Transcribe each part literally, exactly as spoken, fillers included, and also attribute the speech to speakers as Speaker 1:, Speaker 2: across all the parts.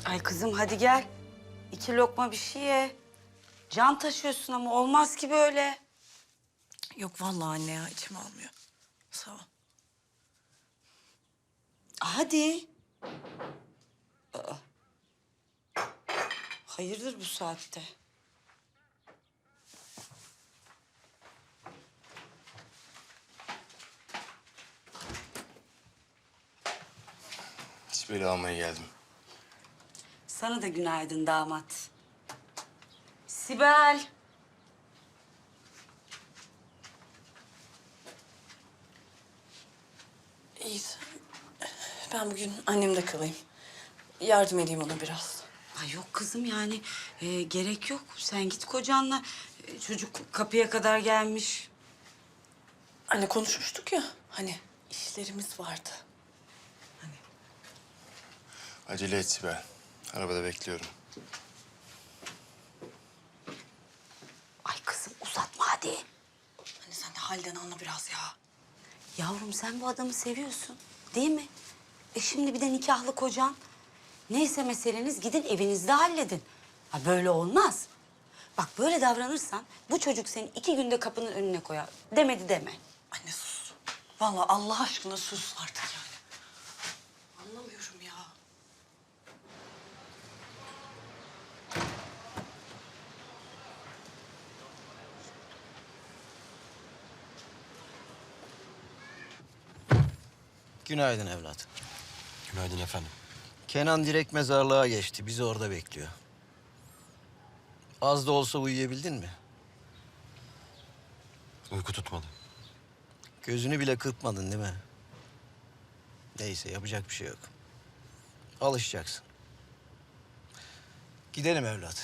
Speaker 1: Ay kızım hadi gel. İki lokma bir şey ye. Can taşıyorsun ama olmaz ki böyle.
Speaker 2: Yok vallahi anne ya, içim almıyor. Sağ ol.
Speaker 1: Hadi. Aa. Hayırdır bu saatte?
Speaker 3: Sibel'i almaya geldim.
Speaker 1: Sana da günaydın damat. Sibel.
Speaker 2: İyi. Ben bugün annemde kalayım. Yardım edeyim ona biraz.
Speaker 1: Ay yok kızım yani e, gerek yok. Sen git kocanla. E, çocuk kapıya kadar gelmiş.
Speaker 2: Anne konuşmuştuk ya, hani işlerimiz vardı. Hani
Speaker 3: Acele et Sibel. Arabada bekliyorum.
Speaker 1: Ay kızım uzatma hadi.
Speaker 2: Anne sen de halden anla biraz ya.
Speaker 1: Yavrum sen bu adamı seviyorsun değil mi? E şimdi bir de nikahlı kocan. Neyse meseleniz gidin evinizde halledin. Ha böyle olmaz. Bak böyle davranırsan bu çocuk seni iki günde kapının önüne koyar. Demedi deme.
Speaker 2: Anne sus. Vallahi Allah aşkına sus artık yani. Anlamıyorum ya.
Speaker 4: Günaydın evlat.
Speaker 5: Günaydın efendim.
Speaker 4: Kenan direkt mezarlığa geçti. Bizi orada bekliyor. Az da olsa uyuyabildin mi?
Speaker 5: Uyku tutmadı.
Speaker 4: Gözünü bile kırpmadın değil mi? Neyse yapacak bir şey yok. Alışacaksın. Gidelim evlat.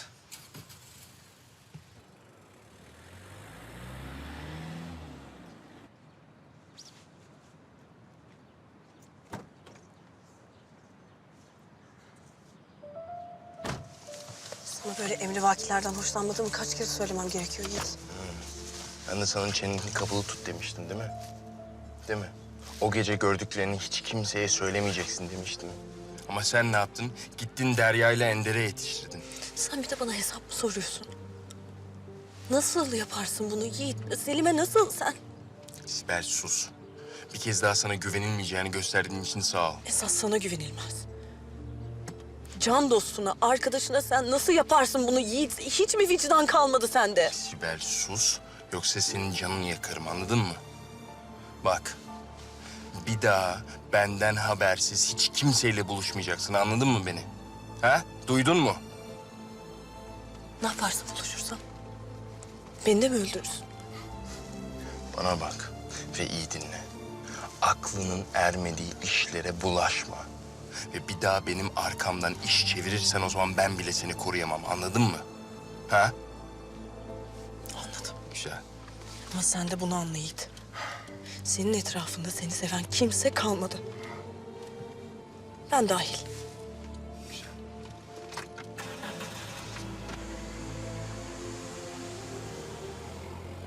Speaker 2: Sana böyle emrivakilerden hoşlanmadığımı kaç kere söylemem gerekiyor Yiğit.
Speaker 3: Ben de sana çeneni kapalı tut demiştim değil mi? Değil mi? O gece gördüklerini hiç kimseye söylemeyeceksin demiştim. Ama sen ne yaptın? Gittin Derya ile Ender'e yetiştirdin.
Speaker 2: Sen bir de bana hesap mı soruyorsun? Nasıl yaparsın bunu Yiğit? Selim'e nasıl sen?
Speaker 3: Sibel sus. Bir kez daha sana güvenilmeyeceğini gösterdiğin için sağ ol.
Speaker 2: Esas sana güvenilmez. Can dostuna, arkadaşına sen nasıl yaparsın bunu Yiğit? Hiç mi vicdan kalmadı sende?
Speaker 3: Sibel sus. Yoksa senin canını yakarım anladın mı? Bak. Bir daha benden habersiz hiç kimseyle buluşmayacaksın anladın mı beni? Ha? Duydun mu?
Speaker 2: Ne yaparsın buluşursam? Beni de mi öldürürsün?
Speaker 3: Bana bak ve iyi dinle. Aklının ermediği işlere bulaşma. Ve bir daha benim arkamdan iş çevirirsen o zaman ben bile seni koruyamam. Anladın mı? Ha?
Speaker 2: Anladım.
Speaker 3: Güzel.
Speaker 2: Ama sen de bunu anla Yiğit. Senin etrafında seni seven kimse kalmadı. Ben dahil.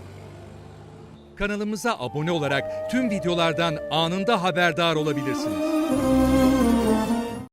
Speaker 6: Kanalımıza abone olarak tüm videolardan anında haberdar olabilirsiniz.